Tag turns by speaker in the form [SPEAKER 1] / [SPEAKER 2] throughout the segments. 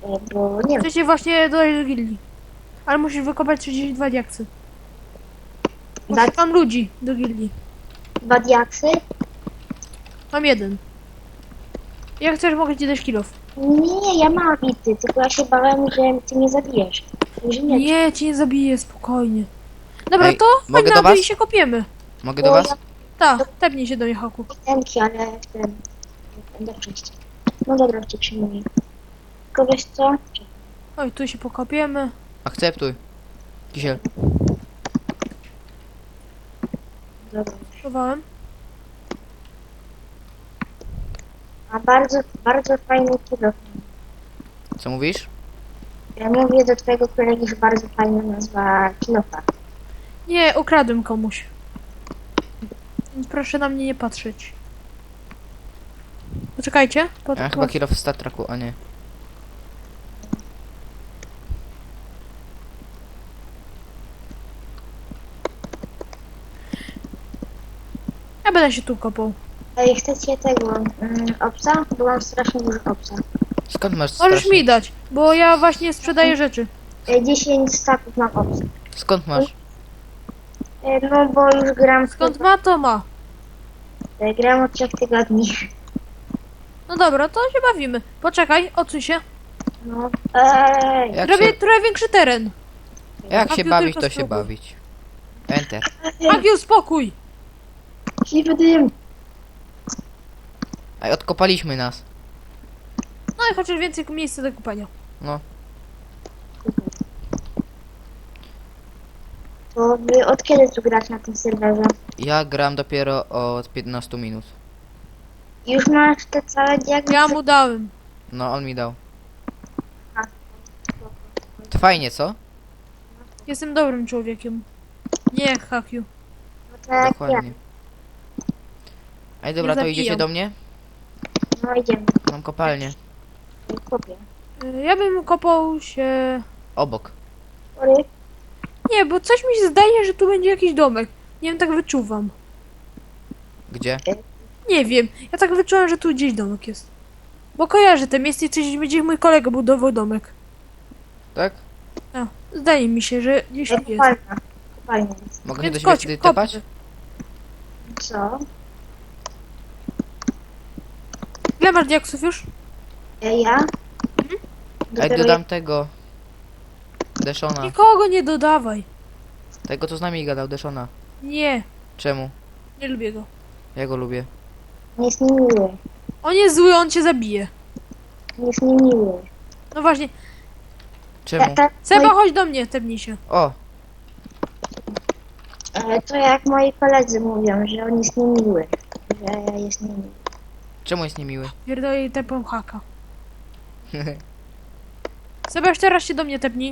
[SPEAKER 1] bo nie wiem.
[SPEAKER 2] Chcę cię właśnie dodać do gildii. Ale musisz wykopać 32 diaksy. Mam ludzi do gildii.
[SPEAKER 1] 2 diaksy?
[SPEAKER 2] Mam jeden. Jak chcesz, mogę ci dać kilof.
[SPEAKER 1] Nie, ja mam bity, tylko ja się bałem, że ty mnie zabijesz. Że nie.
[SPEAKER 2] Nie, cię nie zabiję, spokojnie. Dobra,
[SPEAKER 3] Ej,
[SPEAKER 2] to
[SPEAKER 3] mogę
[SPEAKER 2] chodź
[SPEAKER 3] do
[SPEAKER 2] na dół
[SPEAKER 3] was?
[SPEAKER 2] i się kopiemy.
[SPEAKER 3] Mogę do was?
[SPEAKER 2] Tak, tepnij się do mnie, Haku.
[SPEAKER 1] Temki, ale ten... Będę przejść. No dobra, cię przyjmuję. Tylko wiesz co?
[SPEAKER 2] Oj, tu się pokopiemy.
[SPEAKER 3] Akceptuj. Kisiel.
[SPEAKER 1] Dobra.
[SPEAKER 2] Chowałem.
[SPEAKER 1] A bardzo, bardzo fajny kilo.
[SPEAKER 3] Co mówisz?
[SPEAKER 1] Ja mówię do twojego kolegi, że bardzo fajna nazwa kilofa.
[SPEAKER 2] Nie, ukradłem komuś. Więc proszę na mnie nie patrzeć. Poczekajcie.
[SPEAKER 3] Ja chyba kilo w Star Treku, a nie.
[SPEAKER 2] Ja będę się tu kopał.
[SPEAKER 1] Ej, chcecie tego obsa? Bo mam strasznie dużo obsa.
[SPEAKER 3] Skąd masz
[SPEAKER 2] Możesz
[SPEAKER 3] strasznie-
[SPEAKER 2] mi dać, bo ja właśnie sprzedaję rzeczy.
[SPEAKER 1] 10 staków mam obsa.
[SPEAKER 3] Skąd masz?
[SPEAKER 1] No bo już gram
[SPEAKER 2] Skąd ma, to ma.
[SPEAKER 1] gram od 3 tygodni.
[SPEAKER 2] No dobra, to się bawimy. Poczekaj, odsuń się.
[SPEAKER 1] No. Ej!
[SPEAKER 3] Jak
[SPEAKER 2] Robię
[SPEAKER 3] się,
[SPEAKER 2] trochę większy teren.
[SPEAKER 3] jak się
[SPEAKER 2] Hakiu,
[SPEAKER 3] bawić,
[SPEAKER 2] tylko
[SPEAKER 3] to się
[SPEAKER 2] spróbuj.
[SPEAKER 3] bawić. Enter.
[SPEAKER 2] Hakiu, spokój.
[SPEAKER 1] Śliwy dym!
[SPEAKER 3] Ej, odkopaliśmy nas.
[SPEAKER 2] No i chociaż więcej miejsca do kupania.
[SPEAKER 3] No.
[SPEAKER 1] To wy od kiedy tu grać na tym serwerze?
[SPEAKER 3] Ja gram dopiero od 15 minut.
[SPEAKER 1] Już masz te całe diagnozy?
[SPEAKER 2] Ja mu dałem.
[SPEAKER 3] No, on mi dał.
[SPEAKER 1] A,
[SPEAKER 3] To fajnie, co?
[SPEAKER 2] Jestem dobrym człowiekiem. Nie jak Hakiu.
[SPEAKER 1] No to jak ja.
[SPEAKER 3] Dokładnie. Ej, dobra,
[SPEAKER 2] Nie
[SPEAKER 3] to idziecie
[SPEAKER 2] zabijam.
[SPEAKER 3] do mnie?
[SPEAKER 1] No idziemy.
[SPEAKER 3] Mam kopalnię.
[SPEAKER 1] Kupię.
[SPEAKER 2] Ja bym kopał się...
[SPEAKER 3] Obok.
[SPEAKER 1] Sorry.
[SPEAKER 2] Nie, bo coś mi się zdaje, że tu będzie jakiś domek. Nie wiem, tak wyczuwam.
[SPEAKER 3] Gdzie?
[SPEAKER 2] Nie wiem, ja tak wyczułem, że tu gdzieś domek jest. Bo kojarzę te miejsce i coś będzie mój kolega budował domek.
[SPEAKER 3] Tak?
[SPEAKER 2] No, zdaje mi się, że gdzieś tu jest.
[SPEAKER 1] Kopalnia. Kopalnia jest.
[SPEAKER 3] Mogę się
[SPEAKER 2] Więc
[SPEAKER 3] do siebie
[SPEAKER 2] chodź,
[SPEAKER 3] wtedy
[SPEAKER 2] kopmy.
[SPEAKER 3] tepać?
[SPEAKER 1] Co?
[SPEAKER 2] Ile masz diaksów już?
[SPEAKER 1] Ja?
[SPEAKER 3] Ej,
[SPEAKER 1] Dopiero
[SPEAKER 3] dodam tego. Deszona.
[SPEAKER 2] Nikogo nie dodawaj.
[SPEAKER 3] Tego, co z nami gadał, Deszona.
[SPEAKER 2] Nie,
[SPEAKER 3] Czemu?
[SPEAKER 2] nie lubię go.
[SPEAKER 3] Ja go lubię.
[SPEAKER 1] Nie jest niemiły.
[SPEAKER 2] On jest zły, on cię zabije.
[SPEAKER 1] Nie jest niemiły.
[SPEAKER 2] No właśnie,
[SPEAKER 3] Czemu?
[SPEAKER 2] Seba, chodź do mnie, tepnij się.
[SPEAKER 3] O!
[SPEAKER 1] To jak moi koledzy mówią, że on jest niemiły. Że jest niemiły.
[SPEAKER 3] Czemu jest niemiły?
[SPEAKER 2] Pierdolę i tepą haka. Seba, jeszcze raz się do mnie tepnij.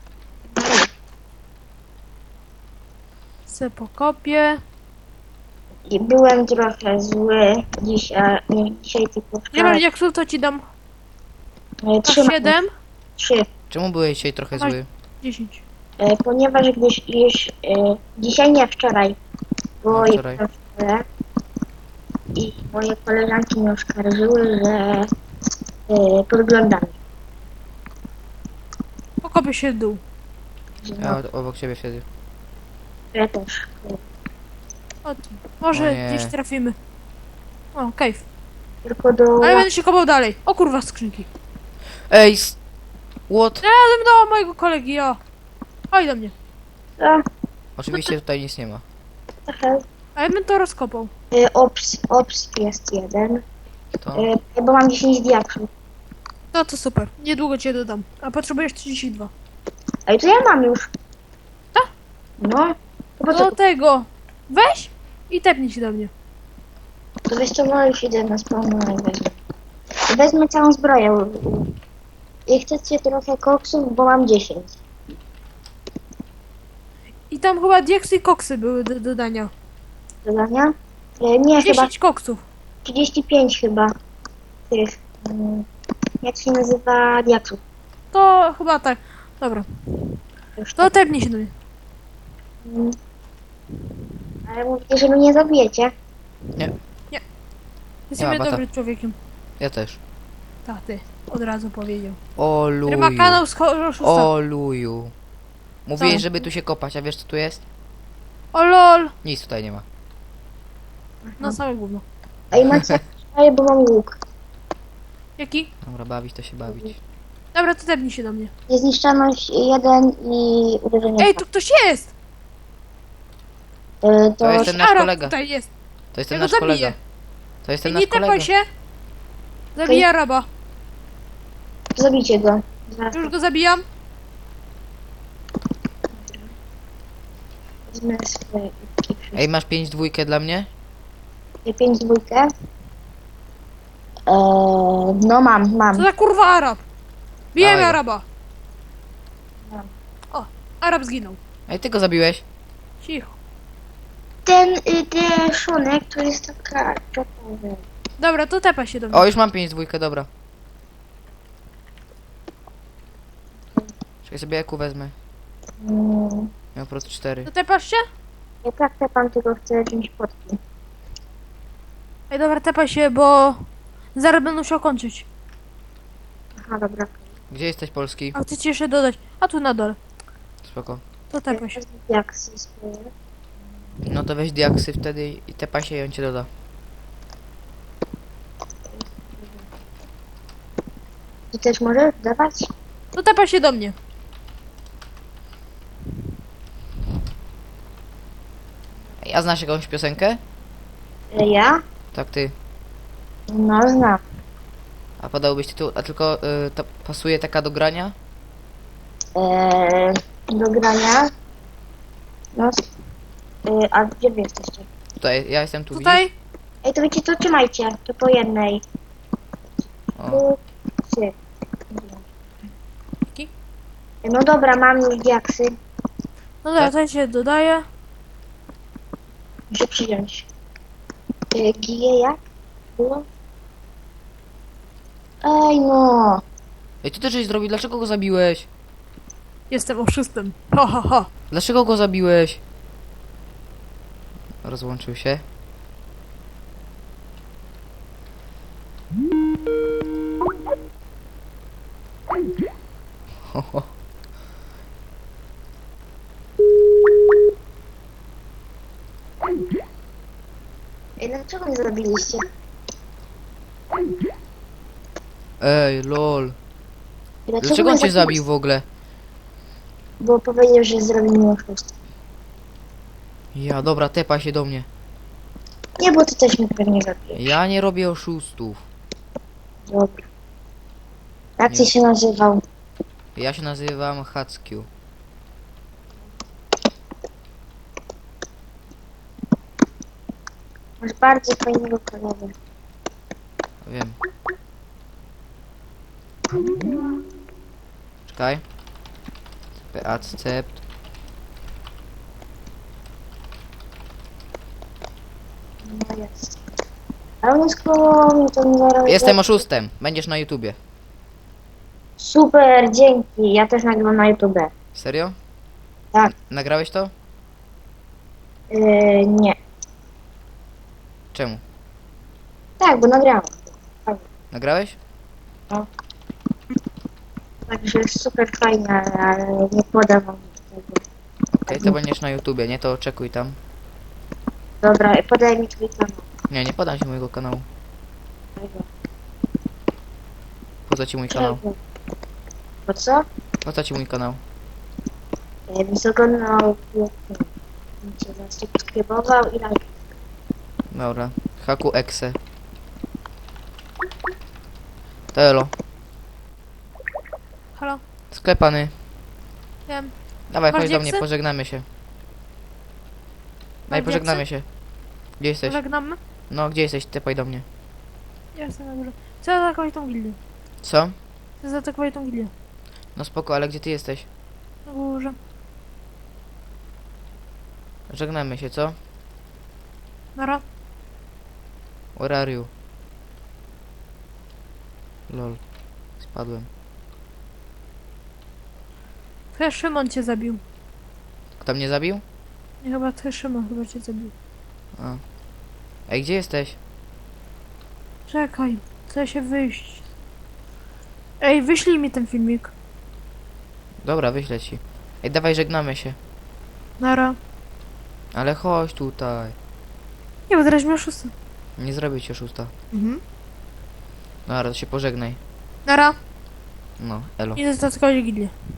[SPEAKER 2] Se pokopię.
[SPEAKER 1] I byłem trochę zły dzisiaj, nie dzisiaj, tylko
[SPEAKER 2] Nie masz
[SPEAKER 1] wczoraj.
[SPEAKER 2] diaksów, to ci dam. Masz 7,
[SPEAKER 1] 3.
[SPEAKER 3] Czemu byłeś dzisiaj trochę
[SPEAKER 2] Chodź.
[SPEAKER 3] zły?
[SPEAKER 2] 10.
[SPEAKER 1] Ponieważ gdyś już dzisiaj nie wczoraj, bo
[SPEAKER 3] No,
[SPEAKER 1] ja
[SPEAKER 3] wczoraj.
[SPEAKER 1] byłem w szkole i moje koleżanki mnie oskarżyły, że podglądam.
[SPEAKER 2] Pokopię się w dół.
[SPEAKER 1] Że
[SPEAKER 3] Ja
[SPEAKER 1] no,
[SPEAKER 3] obok ciebie siedzę.
[SPEAKER 1] ja też.
[SPEAKER 2] O, tu. Może
[SPEAKER 3] O nie.
[SPEAKER 2] gdzieś trafimy. O, cave.
[SPEAKER 1] Tylko do...
[SPEAKER 2] Ale będę się kopał dalej. O kurwa, skrzynki.
[SPEAKER 3] Ej! What?
[SPEAKER 2] Razem do mojego kolegi, o. Chodź do mnie.
[SPEAKER 1] Co?
[SPEAKER 3] Oczywiście tutaj nic nie ma.
[SPEAKER 1] Trochę.
[SPEAKER 2] A ja bym to rozkopał.
[SPEAKER 1] Ops jest jeden,
[SPEAKER 3] To?
[SPEAKER 1] bo mam 10 diaksów.
[SPEAKER 2] No to super. Niedługo cię dodam. A potrzebujesz 32.
[SPEAKER 1] Ej, to ja mam już.
[SPEAKER 2] Tak?
[SPEAKER 1] No. To po
[SPEAKER 2] Do
[SPEAKER 1] co?
[SPEAKER 2] tego. Weź i tepnij się do mnie.
[SPEAKER 1] To wiesz co, no już idę na spawnu i wezmę. Wezmę całą zbroję. I chcecie trochę koksów, bo mam 10.
[SPEAKER 2] I tam chyba diaksy i koksy były do dodania.
[SPEAKER 1] Dodania? Nie, chyba
[SPEAKER 2] 10 koksów.
[SPEAKER 1] 35 chyba. Tych. Jak się nazywa diaksów?
[SPEAKER 2] To chyba tak. Dobra.
[SPEAKER 1] Już
[SPEAKER 2] To tepnij się do mnie.
[SPEAKER 1] Mm. Ale mówicie, że mnie nie zabijecie.
[SPEAKER 2] Jestem
[SPEAKER 3] Nie ma bata.
[SPEAKER 2] dobrym człowiekiem.
[SPEAKER 3] Ja też.
[SPEAKER 2] Ta, ty. Od razu powiedział.
[SPEAKER 3] O
[SPEAKER 2] Który ma
[SPEAKER 3] luju.
[SPEAKER 2] kanał z oszustwa.
[SPEAKER 3] O luju. Mówiłeś,
[SPEAKER 2] Co?
[SPEAKER 3] żeby tu się kopać, a wiesz co tu jest?
[SPEAKER 2] O lol.
[SPEAKER 3] Nic tutaj nie ma.
[SPEAKER 2] No same gówno.
[SPEAKER 1] Ej, macie, ej, bo mam łuk.
[SPEAKER 2] Jaki?
[SPEAKER 3] Dobra, bawić to się bawić.
[SPEAKER 2] Dobra, to tepnij się do mnie.
[SPEAKER 1] Niezniszczalność 1 i uderzenie.
[SPEAKER 2] Ej, tu ktoś jest!
[SPEAKER 3] To jest ten nasz
[SPEAKER 2] Arab
[SPEAKER 3] kolega.
[SPEAKER 2] tutaj jest.
[SPEAKER 3] To jest ten
[SPEAKER 2] Ja go
[SPEAKER 3] nasz kolega.
[SPEAKER 2] zabiję.
[SPEAKER 3] To jest ten
[SPEAKER 2] Ej,
[SPEAKER 3] nasz
[SPEAKER 2] nie tepaj
[SPEAKER 3] kolega.
[SPEAKER 2] się. Zabiję Araba.
[SPEAKER 1] Zabijcie go. Zaraz
[SPEAKER 2] Już go zabijam.
[SPEAKER 1] wezmę swoje
[SPEAKER 3] Ej, masz 5 dwójkę dla mnie?
[SPEAKER 1] 5 dwójkę. No mam.
[SPEAKER 2] Co za kurwa Arab? Bijemy
[SPEAKER 3] Dawaj go.
[SPEAKER 2] Araba.
[SPEAKER 1] Mam.
[SPEAKER 2] O, Arab zginął.
[SPEAKER 3] Ej, ty go zabiłeś?
[SPEAKER 2] Cicho.
[SPEAKER 1] Ten deszonek to jest taka czokowa.
[SPEAKER 2] Dobra, to tepaj się do mnie.
[SPEAKER 3] O, już mam 5 dwójkę, dobra. Czekaj, sobie eku wezmę. Miał po prostu 4.
[SPEAKER 2] To tepasz się?
[SPEAKER 1] Ja tak pan tylko chcę wziąć potki.
[SPEAKER 2] Ej, dobra, tepaj się, bo zaraz będę musiał kończyć.
[SPEAKER 1] Aha, dobra.
[SPEAKER 3] Gdzie jesteś, Polski?
[SPEAKER 2] A chcę ci jeszcze dodać. A tu na dole.
[SPEAKER 3] Spoko.
[SPEAKER 2] To tepaj się.
[SPEAKER 1] Jak swoje.
[SPEAKER 3] No to weź diaksy wtedy i tepa się i on cię doda.
[SPEAKER 1] Ty też możesz dawać?
[SPEAKER 2] To tepaj się do mnie.
[SPEAKER 3] Ej, a znasz jakąś piosenkę?
[SPEAKER 1] Ja?
[SPEAKER 3] Tak, ty.
[SPEAKER 1] No znam.
[SPEAKER 3] A podałbyś tytuł, a tylko to pasuje taka do grania?
[SPEAKER 1] Do grania. No. A gdzie wy jesteście?
[SPEAKER 3] Tutaj, ja jestem tu,
[SPEAKER 2] Tutaj.
[SPEAKER 1] Ej, to wiecie co? Trzymajcie. To po jednej.
[SPEAKER 3] widzisz? O.
[SPEAKER 1] Tu, trzy.
[SPEAKER 2] Jaki?
[SPEAKER 1] No dobra, mam już diaksy.
[SPEAKER 2] No dobra, to ja cię dodaję.
[SPEAKER 1] Muszę przyjąć. Gije jak? Było? Ej no.
[SPEAKER 3] Ej, ty też żeś zrobił, dlaczego go zabiłeś?
[SPEAKER 2] Jestem oszustem. Ha, ha, ha.
[SPEAKER 3] Dlaczego go zabiłeś? Rozłączył się. Ho, ho.
[SPEAKER 1] Ej, dlaczego mnie zabiliście?
[SPEAKER 3] Ej, lol. Dlaczego
[SPEAKER 1] mnie
[SPEAKER 3] on cię
[SPEAKER 1] zabiliście?
[SPEAKER 3] zabił w ogóle?
[SPEAKER 1] Bo powiedział, że zrobi mi oszustwo.
[SPEAKER 3] Ja, dobra, tepa się do mnie.
[SPEAKER 1] Nie, bo ty też mnie pewnie zabijesz.
[SPEAKER 3] Ja nie robię oszustów.
[SPEAKER 1] Dobra. Jak
[SPEAKER 3] Nie.
[SPEAKER 1] ty się nazywał?
[SPEAKER 3] Ja się nazywam Hackiu.
[SPEAKER 1] Masz bardzo fajnego kolegę.
[SPEAKER 3] Wiem. Czekaj. Accept.
[SPEAKER 1] No jest. Ale on jest koło mnie, to mi zaraz...
[SPEAKER 3] Jestem oszustem. Będziesz na YouTubie.
[SPEAKER 1] Super, dzięki. Ja też nagrywam na YouTube.
[SPEAKER 3] Serio?
[SPEAKER 1] Tak.
[SPEAKER 3] Nagrałeś to?
[SPEAKER 1] Nie.
[SPEAKER 3] Czemu?
[SPEAKER 1] Tak, bo nagrałam.
[SPEAKER 3] Nagrałeś?
[SPEAKER 1] Także jest super fajne, ale nie podam wam tego.
[SPEAKER 3] Okej, to będziesz na YouTubie, nie? To oczekuj tam.
[SPEAKER 1] Dobra, podaj mi twój kanał.
[SPEAKER 3] Nie, nie podam ci mojego kanału. Po co ci mój kanał?
[SPEAKER 1] Czego? Po co?
[SPEAKER 3] Po co ci mój kanał?
[SPEAKER 1] Wysokonał cię zasubskrybował i like.
[SPEAKER 3] Dobra. Haku Exe. To elo.
[SPEAKER 2] Halo?
[SPEAKER 3] Sklepany.
[SPEAKER 2] Wiem.
[SPEAKER 3] Dawaj,
[SPEAKER 2] Masz
[SPEAKER 3] chodź do mnie,
[SPEAKER 2] diaksy?
[SPEAKER 3] pożegnamy się. Daj,
[SPEAKER 2] Masz
[SPEAKER 3] pożegnamy
[SPEAKER 2] diaksy?
[SPEAKER 3] się. Gdzie jesteś?
[SPEAKER 2] Żegnamy?
[SPEAKER 3] No, gdzie jesteś? Typaj do mnie.
[SPEAKER 2] Ja jestem na górze. Chcę zaatakować tą gildię.
[SPEAKER 3] Co?
[SPEAKER 2] Chcę zaatakować tą gildię.
[SPEAKER 3] No spoko, ale gdzie ty jesteś?
[SPEAKER 2] Na górze.
[SPEAKER 3] Żegnamy się, co?
[SPEAKER 2] Nara.
[SPEAKER 3] Where are you? Lol. Spadłem.
[SPEAKER 2] Chyba Szymon cię zabił.
[SPEAKER 3] Kto mnie zabił?
[SPEAKER 2] Nie, chyba ty Szymon chyba cię zabił.
[SPEAKER 3] A. Ej, gdzie jesteś?
[SPEAKER 2] Czekaj. Chcę się wyjść. Ej, wyślij mi ten filmik.
[SPEAKER 3] Dobra, wyślę ci. Ej, dawaj, żegnamy się.
[SPEAKER 2] Nara.
[SPEAKER 3] Ale chodź tutaj.
[SPEAKER 2] Nie, bo teraz miał 6.
[SPEAKER 3] Nie zrobię ci oszusta.
[SPEAKER 2] Mhm.
[SPEAKER 3] Dobra, to się pożegnaj.
[SPEAKER 2] Nara.
[SPEAKER 3] No, elo.
[SPEAKER 2] Idę zatkować Gilię.